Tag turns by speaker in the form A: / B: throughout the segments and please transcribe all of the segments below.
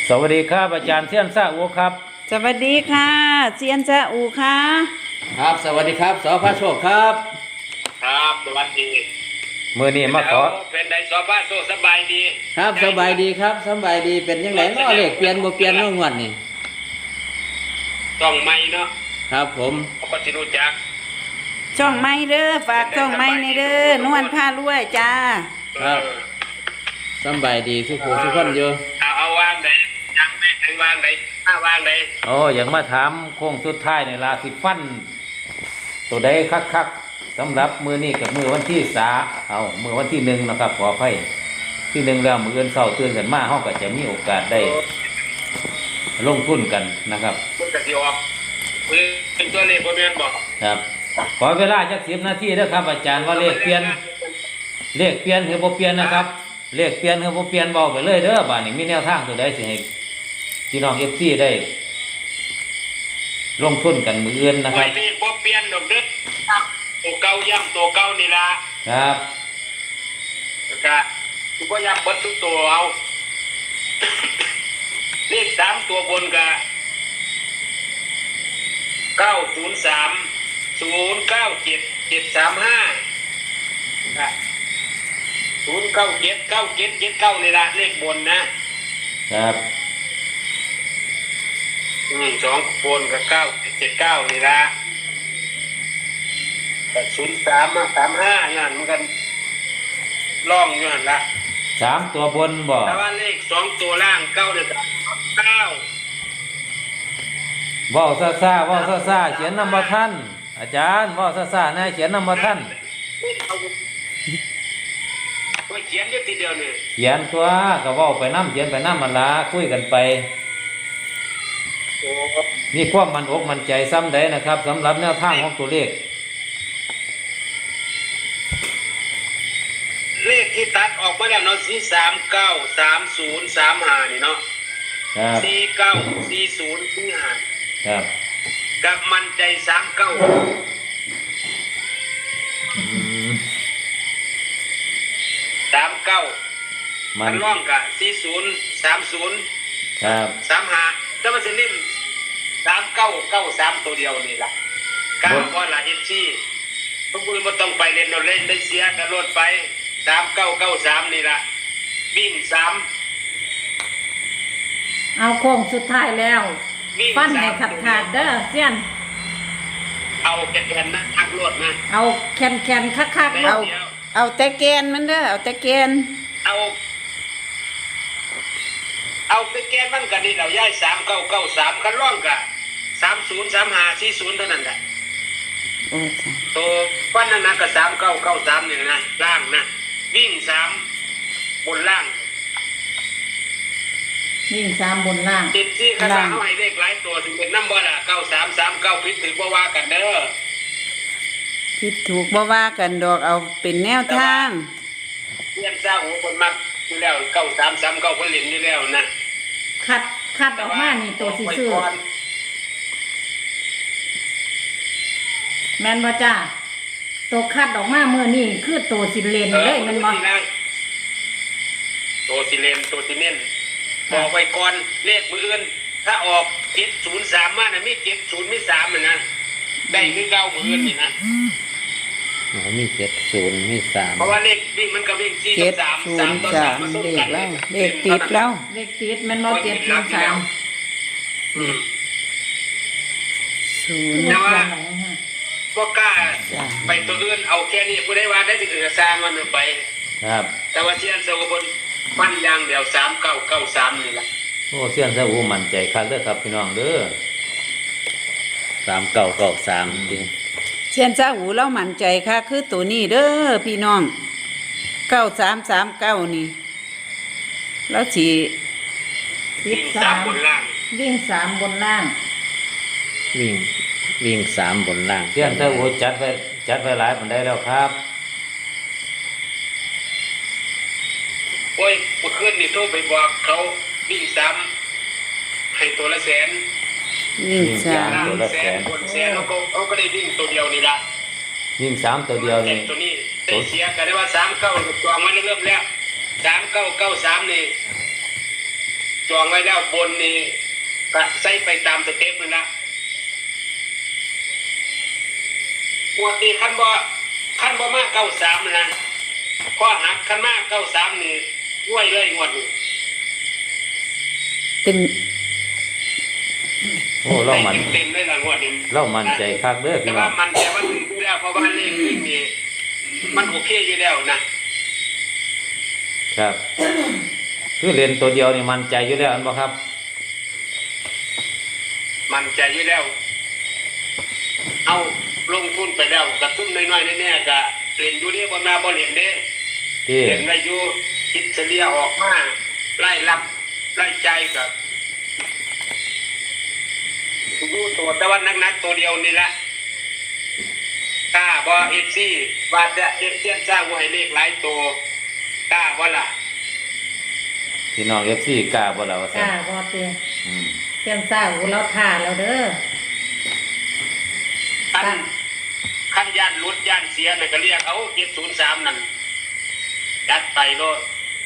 A: สวัสดีครับอาจารย์เซียนซาอูครับ
B: สวัสดีค่ะเซียนซาอูค่ะ
C: ครับสวัสดีครับสพระโชคครับ
D: ครับสวัสดี
A: มือนี้มาขอ
D: เป็นไดสอบบ้านโซสบายดี
C: ครับสบายดีครับสบายดีเป็นยังไงเนาะเลขเปลี่ยนบ่เปลี่ยนน้องวันนี่
D: ต้องไม่เนาะ
C: ครับผม
D: เขาก็สิรู้จัก
B: ช่องไม้เด้อฝากช่องไม้ในเด้อนวลผ้ารวยจ้า
C: ครับสบายดีสุขสุขคนอยู่
D: เอาวางไหนยังไม่ถึงวางไหนวางไหน
A: โอ้ยังมาถามโค้งสุดท้ายในลาสิฟันตัวใดคักสำหรับมือนี้กับมือวันที่มือวันที่1นะครับขออภัยที่1แล้วมืออื่นเช้าตื่นกันมาเฮาก็จะมีโอกาสได้ลงทุนกันนะครับ
D: มันก็สิออกเป็นตัวเลขบ่แม่นบ่
A: ครับขอเวลาจัก10 นาทีเด้อครับอาจารย์ว่าเลขเปลี่ยนหรือบ่เปลี่ยนนะครับเลขเปลี่ยนหรือบ่เปลี่ยนเว้าไปเลยเด้อบัดนี้มีแนวทางตัวใดสิให้พี่น้อง FC ได้ลงทุนกันมื้ออื่นนะครับ
D: เลขบ่เปลี่ยนดอกเด้อตัวเก่าย่ำตัวเก่านี่ล่ะ
A: ครับ
D: ก็คือบ่ย่ำเบิดทุกตัวเอาเลข3ตัวบนก็903 097 735 097 9779นี่ละเลขบนนะครับ2บนกับ979นี่ละแต่03 35นั่นมันกันล่องอยู่หั่นละ
A: 3ตัวบนบ่
D: แต่ว่าเลข2ตัวล่าง9เนี่ย9
A: เว้าซ่าเขียนนำบ่ทันอาจารย์เว้าซ่าๆนะเขียนนำบ่ทัน
D: เขียนอยู่ทีเดียวนี่
A: เขียนตัวก็เว้าไปนำเขียนไปนำมันล่ะคุยกันไปมีความมั่นอกมั่นใจซ้ำใดนะครับสำหรับแนวทางของตัวเลข
D: เลขที่ตัดออกมาแล้วเนาะ39 30 35นี่เนาะ
A: ครับ
D: 49 40 45
A: ครับ
D: กับมันใจ39มันร่องกับ40 30
A: ครับ
D: 35แต่มันจะเล่น3993ตัวเดียวนี่ล่ะก้าวบ่ล่ะ FC พวกคุณบ่ต้องไปเล่นเอาเล่นได้เสียกันรถไป3993นี่ล่ะวิ่ง3
B: เอาโค้งสุดท้ายแล้วฟันให้ขาดเด้อเซียน
D: เอาแกนนะทักรถนะ
B: เอาแคนคักๆเอาแต่แกนมันเด้อเอาแต่แกน
D: เอาแต่แกนมันก็นี่แล้วย้าย3993คันร่องก็30 35 40เท่านั้นแหละ
B: โอ้จ้ะ
D: ตัวฟันนั้นก็3993นี่นะล่างนะวิ่ง3บนล่าง
B: วิ่ง3บนล่าง
D: ติดที่คาถาเอาให้เลขหลายตัวถึงเป็นน้ำบ่ล่ะ9339ผิดถือบ่ว่ากันเด้อ
B: ผิดถูกบ่ว่ากันดอกเอาเป็นแนวทาง
D: เรียนซาหูคนมักอยู่แล้ว9339เพิ่นเล่นอยู่แล้วนะ
B: คัดออกมานี่ตัวสิซื้อแม่นบ่จ้าตัวคัดออกมามื้อนี้คือตัวสิเล่นเลยแม่นบ่
D: ตัวสิเล่นตัวสิเน้นบอกไว้ก่อนเลขมืออื่นถ้าออก703มาน่ะมี70มี3น่ะนะได้คือเก่ามืออื่นนี่นะ
C: มี70มี3
D: เพราะว่าเลขวิ่งมันก็วิ่ง4กับ3 3ต่อ3
B: เลขแล้วเลขติดแล้วเลขติดมันบ่7 3
D: แต่ว่าบ่กล้าไปตัวอื่นเอาแค่นี้ผู้ใดว่าได้สิสร้างมันไป
A: ครับ
D: แต่ว่าเสียนโซบนฟันยางเดียว3993นี่ล่ะ
A: โอ้เสียนซะอูมั่นใจคักเด้อครับพี่น้องเด้อ
C: 3993ดิ
B: เซียนซาอูเรามั่นใจค่ะคือตัวนี้เด้อพี่น้อง9339นี่แล้วสิ
D: วิ่ง3บนล่าง
B: วิ่ง3บนล่าง
C: วิ่ง3บนล่าง
A: เซียนซะอูจัดไว้หลายปานใดแล้วครับ
D: โอ้ยเมื่อคืนนี่โทรไปบอกเขาวิ่ง3ให้ตัวละแสน
B: วิ่ง3
A: ตัวละแสน
D: คนแสนแล้วก็เขาก็ได้วิ่งตัวเดียวนี่ล่ะ
A: วิ่ง3ตัวเดียวนี่
D: ตัวนี้ได้เสียกันได้ว่า39จองไว้เริ่มแล้ว3993นี่จองไว้แล้วบนนี่ก็ใส่ไปตามสเต็ปเลยนะงวดนี้ขั้นบ่มา93นะข้อหักขั้นมา93นี่ด้วยเลยงวดนี้
B: เป็น
A: โอ้เรามัน
D: เต็มเลยละงวดนี้
A: เรามันใจคักเด้อ
D: แต่
A: พี่น้
D: ว่า
A: อง
D: มันแต่ว่าถึงแล้วเพราะว่าเลขวิ่งนี่มันโอเคอยู่แล้วนะครับ
A: คือเรียนตัวเดียวนี่มันใจอยู่แล้วอันบ่ครับ
D: มันใจอยู่แล้ว เอาลงทุนไปแล้วกระตุ้นน้อยๆแน่ๆก็เล่นอยู่นี่บ่มาบ่เล่นเด้
A: ที่
D: เล่นได้อยู่คิดเฉลี่ยออกมาไล่รับไล่ใจกับดูตัวแต่ว่านักๆตัวเดียวนี่ละกล้าบ่เอฟซีว่าจะเอฟเซียนสร้างว่าให้เลขหลายตัวกล้าบ่ล่ะ
A: พี่น้อง FC กล้าบ่ล่ะว่า
B: ก
A: ซั่น
B: ล้าบ่เตีย
A: อืม
B: เตียนซ่าหูเราท่าแล้วเด้อ
D: ขั้นย่านรุดย่านเสียน่ะก็เรียกเอา703นั่นยัดไปโลด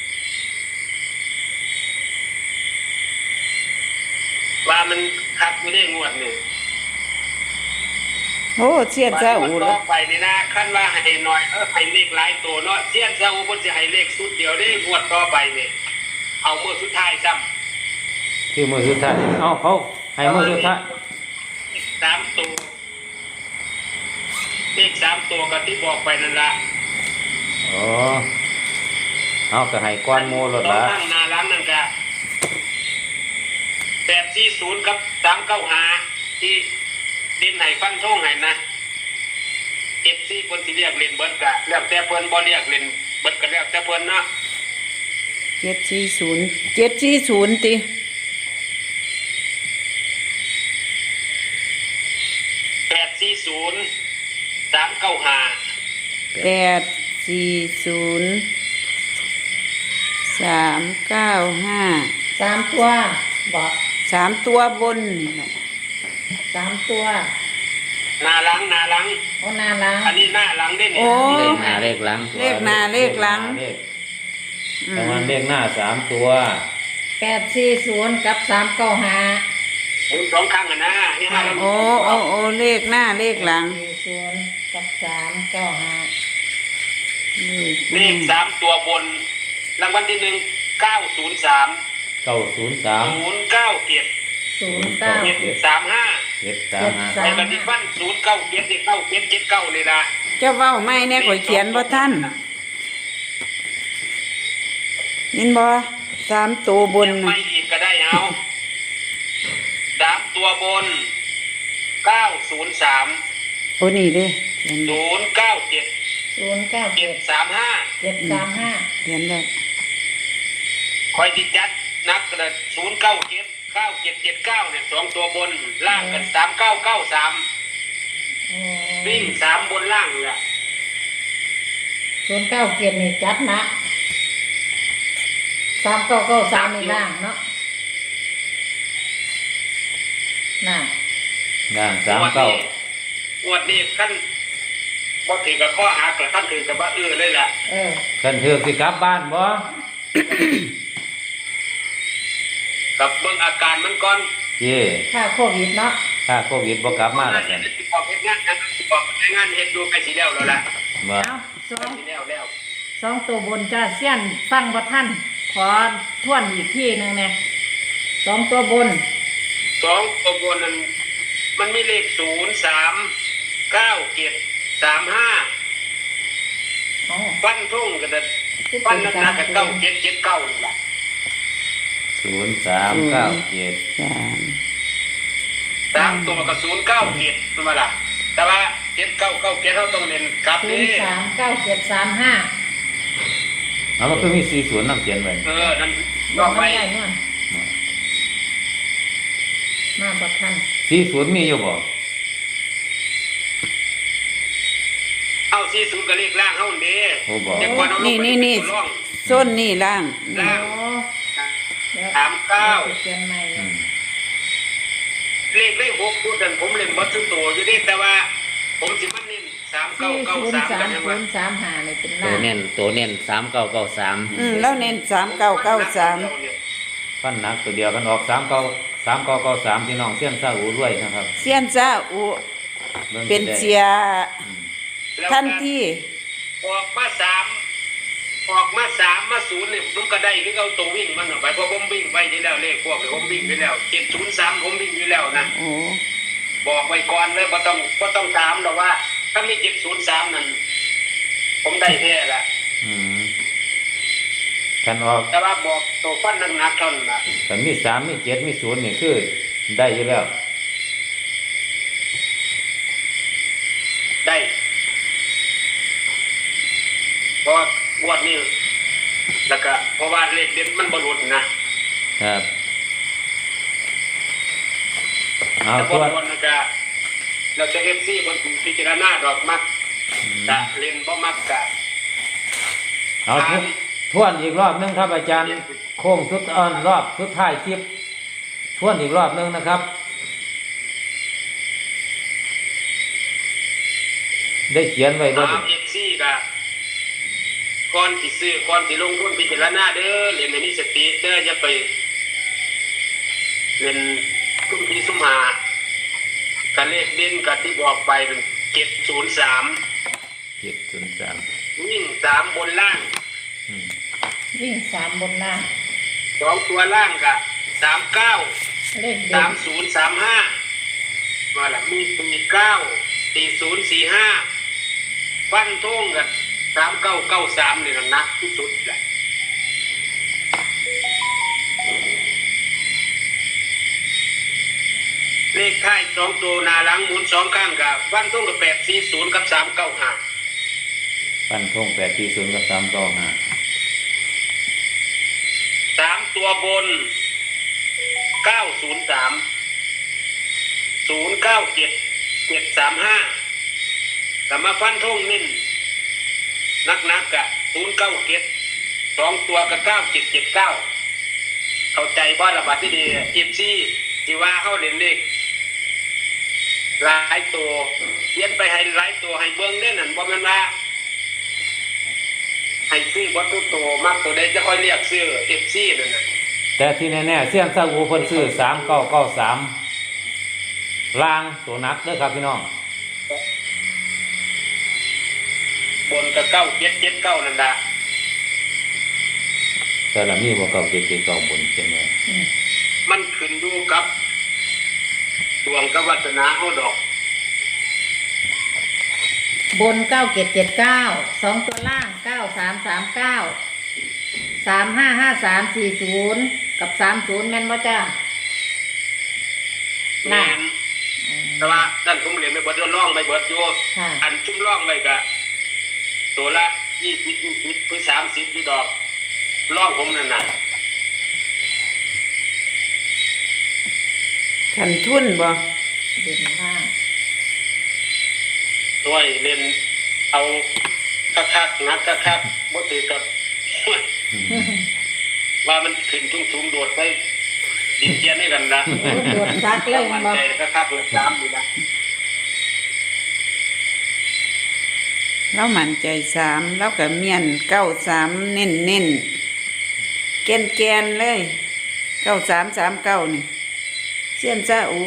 D: ว่ามันคักอยู่ได้งวดนี่
E: โอ้เสียนเจ้าอู
D: ต่
E: แล้
D: อ
E: ว
D: ไปนี่นะขั้นว่าให้หน่อยให้เลขหลายตัวเนาะเสี้ยนเจ้าเพิ่นสิให้เลขสุดเดียวได้งวดต่อไปนี่เอามื้อสุดท้ายซ้ำ
A: คือมื้อสุดท้ายเอาเขาให้มื้อสุดท้าย
D: 3ตัวเลข3ตัวก็ที่บอกไปนั่นล่ะ
A: อ๋อเอาก็ให้ก้อนหมู่รถละ
D: ข้างหน้าร้านนั่นก็840กับ395ที่ดินให้ฟันทงให้นะ FC เพิ่นสิเรียกเล่นเบิดก็แล้วแต่เพิ่นบ่เรียกเล่นเบิดก็แล้วแต่เพิ่นเนาะ
E: 740ติ
D: 840 395
E: 840 395
B: 3 ตัวบอก
E: 3ตัวบนนี่แหละ
B: 3 ตัว
D: หน้าหลัง
B: โอ้นาล้าง
D: อันนี้หน้าหลังได้เนี่ย
E: โอ้
C: เลขหน้าเลขหลัง
E: เลขหน้าเลขหลัง
A: เลขประมาณเลขหน้า3ตัว
B: 840กับ395
D: หมุนสองครั้งอ่ะนะนี่ฮะ
E: โอ้เลขหน้าเลขหลัง
B: 40กับ395
D: เลข3ตัวบน รางวัลที่1 903
A: 903
D: 097
B: 097
D: 735
A: 735
D: ไอ้กันที่ฟัน097นี่9779นี่ล่ะ
E: เจ้าเว้าไม่แน่ข่อยเขียนบ่ทันยินบ่3ตัวบน
D: ยัง
E: น่ะ
D: ไม่อีกก็ได้เอา3ตัวบน 903
E: โอ้นี่เด้เขียนได้
D: 097
B: 097
D: 735
B: 735
E: เขียนได้
D: คอยติดจัดนักกระ097 9779เนี่ย2ตัวบนล่างกัน3993
B: โอ้
D: วิ่ง3บนล่างนี่ล่ะ
B: 097นี่จัดหนัก3993นี่ล่างเนาะน่ะ
A: ย่าง
D: งวดนี้
A: 39
D: งวดนี้ขั้นบ่ถือกับข้อหักละขั้นถือกับว่าเลยล่ะ
B: เออ
A: กันเถือกสิกลับบ้านบ่
D: กับเบิ่งอาการมันก่อน
A: เย่
B: ค่าโควิดเนาะ
A: ถ้าโควิดบ่กลับมาแล้วกัน
D: สิบอกเฮ็ดงานนะสิบอกเฮ็ดงานเฮ็ดดูไปสิแล้วล่ะ
A: บ่
B: เอาสอง
D: สิแล้ว
B: 2ตัวบนจ้าเสี้ยนฟังบ่ทันขอทวนอีกทีหนึงแน่2ตัวบน
D: 2ตัวบนนั้นมันมีเลข0 3 9 7 3 5
B: อ๋อ
D: ฟันทุ่งกันแต่ฟันนักๆกับ9779นี่ล่ะ
A: 0397
E: 3
D: 3ตัวกับ097ตัวมาล่ะแต่ว่า7997เฮาต้องเน้นกลับนี่
B: 039735
A: เอามันคือมี40นำเขียนไว้
D: นั่น
B: บ
D: ต่
B: อ
D: อก ไป
B: ไม่ได้นวลมาบ่ทัน
A: 40มีอยู่บ่
D: เอา40ก็เลขล่างเฮานี่
A: โอ้บ่
D: เดี๋ยวก่อนเอาลงไป
E: นี่
D: ตัวร่อง
E: ส้นนี่ล่าง
D: ล่าง
B: โอ้เดี๋ยว
D: 39
B: เขียนใหม่
A: อืม
D: เลข6ตัวนั้นผมเล่นบ่ถึงตัวอยู่เด้แต่ว่า ผมสิมันเน้น3993กันยังว่า
B: 403035นี่เป็น
C: ตัว
B: ล่าง
C: เน้น3993
E: แล้วเน้น3993
A: ฟันหนักตัวเดียวกันออก3993พี่น้องเสี้ยนซาอูรวยนะครับ
E: เสียนซาอุ
A: บิ่ง
E: เป็น
A: ได้
E: เสีย
D: แล้ว
E: ทัน
D: ก็
E: ที
D: ออกมา3มา0เนี่ยผมก็ได้คือเอาตัววิ่งมันออกไปเพราะผมวิ่งไปที่แล้วเลขพวกเนี่ยผมวิ่งไปแล้ว703ผมวิ่งไปแล้วนะ
E: โอ้
D: บอกไว้ก่อนเลยบ่ต้องถามหรอกว่าถ้ามี703นั่นผมได้แท้ละ
A: อืมคันออก
D: แต่ว่าบอกตัวฟันหนักๆเท่านั้นล่ะ
A: คันมี3มี7มี0นี่คือได้อยู่แล้ว
D: ได้เพราะงวดนี้แล้วก็เพราะว่าเลขเด่นมันบ่หลุดนะครับ
A: เอา
D: แต่
A: ตั
D: บ่
A: ว
D: หลุดแล้วก็เราจะ FC คนพิจารณาดอกมักกะเล่นบ่มักกะ
A: เอาทวนอีกรอบนึงครับอาจารย์โค้งสุดรอบสุดท้ายคลิปทวนอีกรอบนึงนะครับ ได้เขียนไว้บ่ดิ
D: FC กะก่อนสิซื้อก่อนสิลงทุนพิจารณาเด้อเล่นให้มีสติเด้ออย่าไปเล่นซุ่มที่ซุ่มหากะเลขเด่นกะที่บอกไปนั่น703
A: 703
D: วิ่ง3บนล่าง
A: อืม
B: วิ่ง3บนล่าง
D: 2ตัวล่างกะ39
B: เลขเด่น
D: 3035มาละมี49 4045ฟันทงกัน3993นี่หนักที่สุดแหละเลขท้าย2ตัวหน้าหลังหมุน2ข้างกับฟันทงกับ840กับ395
A: ปั้นทง840กับ395
D: 3ตัวบน903 097 735แต่มาฟันทงนิ่นนักกะ097 2ตัวกับ9779เข้าใจบ้านระบาดที่ดีอิฟซี่ที่ว่าเข้าเล่นเลขหลายตัวเขียนไปให้หลายตัวให้เบิ้งเล่นนั่นบ่แม่นว่าให้ซื้อวัตถุโตมากตัวใดจะค่อยเรียกซื้อเอฟซีนั่นน่ะ
A: แต่ที่แน่ๆเสี้ยนซาอูเพิ่นซื้อ3993ล่างตัวนักเด้อครับพี่น้อง
D: บนกับ9779นั่นล่ะ
A: แต่ละมีบ่เก่า779บนใช่ไหม
D: มันขึ้นอยู่กับดวงกับวาสนาเฮาดอก
B: บน9779 2ตัวล่าง9339 355340กับ30แม่นบ่จ้า
D: แม่นแต่ว่านั่นผมเรียนไปเบิดร่องไปเบิดอยู่
B: ค่ะ
D: อันชุ่มร่องไว้ก็ตัวละ20หรือ30อยู่ดอกร่องผมนั่นน่ะ
E: ขันทุนบ่
B: เด่นล่าง
D: ด้วยเล่นเอาคักๆนักคักๆบ่ถือกับ ว่ามันขึ้นทุ่งๆโดดไปดินเจียนให้กันนะ
B: โอ้โดดซักเลย
D: มัน
B: บ่
D: ใจคักๆเลยตามอยู่นะ
E: เรามั่นใจ3แล้วก็เมียน93เน้นๆแกนๆเลย9339นี่เสียนซาอุ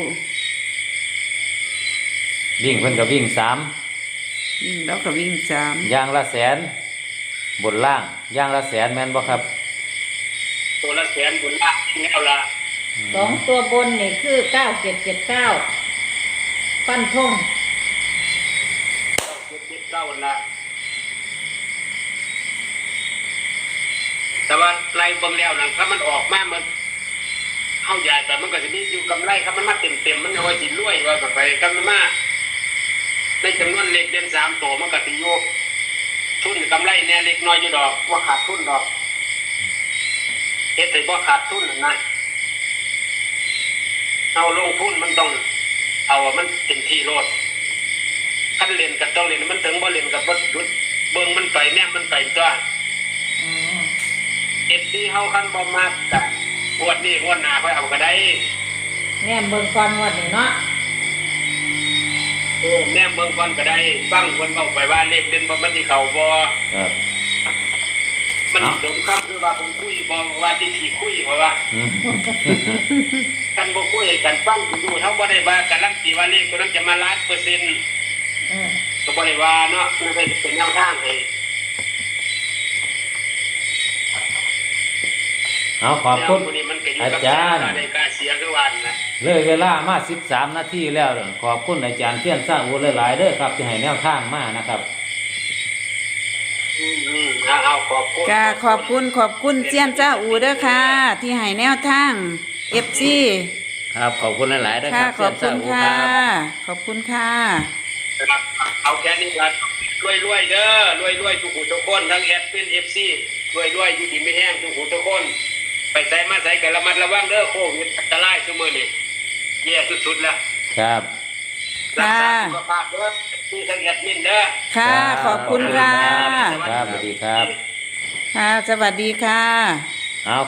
A: วิ่งเพิ่นก็วิ่ง
E: แล้วก็วิ่ง
A: 3อย่างละแสนบนล่างอย่างละแสนแม่นบ่ครับ
D: ตัวละแสนบุญละแนวละ
B: 2ตัวบนนี่คือ9779ฟันธง
D: 9ละแต่ว่าไล่เบิ่งแล้วนะถ้ามันออกมามันเข้าใหญ่แต่มันก็จะมีอยู่กำไรครับมันมาเต็มมันเอาไว้สิรวยว่าแบบไปกันมันมาในจำนวนเล็กเด่น3ตัวมันก็สิอยู่ทุนกำไรเนี่ยเล็กน้อยอยู่ดอกว่าขาดทุนดอกเฮ็ดให้บ่ขาดทุนนะเอาลงทุนมันต้องเอามันเต็มที่โลดคันเล่นก็ต้องเล่นมันถึงบ่เล่นก็บ่หยุดเบิ่งมันไปแนมมันไปตัว
B: อ๋อ
D: FC เฮาคันบ่มักก็งวดนี้งวดหน้าค่อยเอาก็ได้
B: แน่เบิ่งก่อนงวดนี้เนาะ
D: แนมเบิ่งก่อนก็ได้ฟังเพิ่นเว้าไปว่าเลขเด่นบ่มันสิเข้าบ่
A: ครับ
D: มันมันสมครับคือว่าผมคุยบอกว่าที่ขี่คุยเพราะว่า
A: อืม
D: กันบ่คุยกันฟังดูเท่าบ่ได้ว่าการันตีว่าเลขตัวนั้นจะมา1,000,000%ก็บ่ได้ว่าเนาะคือเป็นแนวทางให้
A: เอาขอบคุณ
D: แนวนี้มันก็อยู่
A: อา
D: กับ
A: จารย์
D: การได้การเสียคือวันนะ
A: เลยเวลามา13 นาทีแล้วเด้อขอบคุณอาจารย์เทียนสร้างอูหลายๆเด้อครับที่ให้แนวทางมานะครับ
D: เอาขอบคุณ
E: กาขอบคุณเซียนจ้าอูเด้อค่ะ ที่ให้แนวทาง FC
C: ครับขอบคุณหลายๆนะค
E: ค่ะ
C: รับ
E: ขอบคุณ
C: เสีย
E: ค่ะ
C: นสร้างอู
E: ขอบคุณค่ะ
D: เอาแค่นี้ละรวยเด้อรวยทุกหูทุกคนทั้งแอดเป็น FC รวยอยู่ดีไม่แห้งทุกหูทุกคนไปใส่มาใส่กันระมัดระวังเด้อโควิดอันตรายซุมื้อนี้แย่สุดๆแล้ว
A: ครับ
D: รักษาสุขภาพเด้อที่ทั้งแอดมินเด้อ
E: ค่ะ ขอบคุณค่ะ
A: ครับสวัสดีครับ
E: ค่ะ สวัสดีค่ะ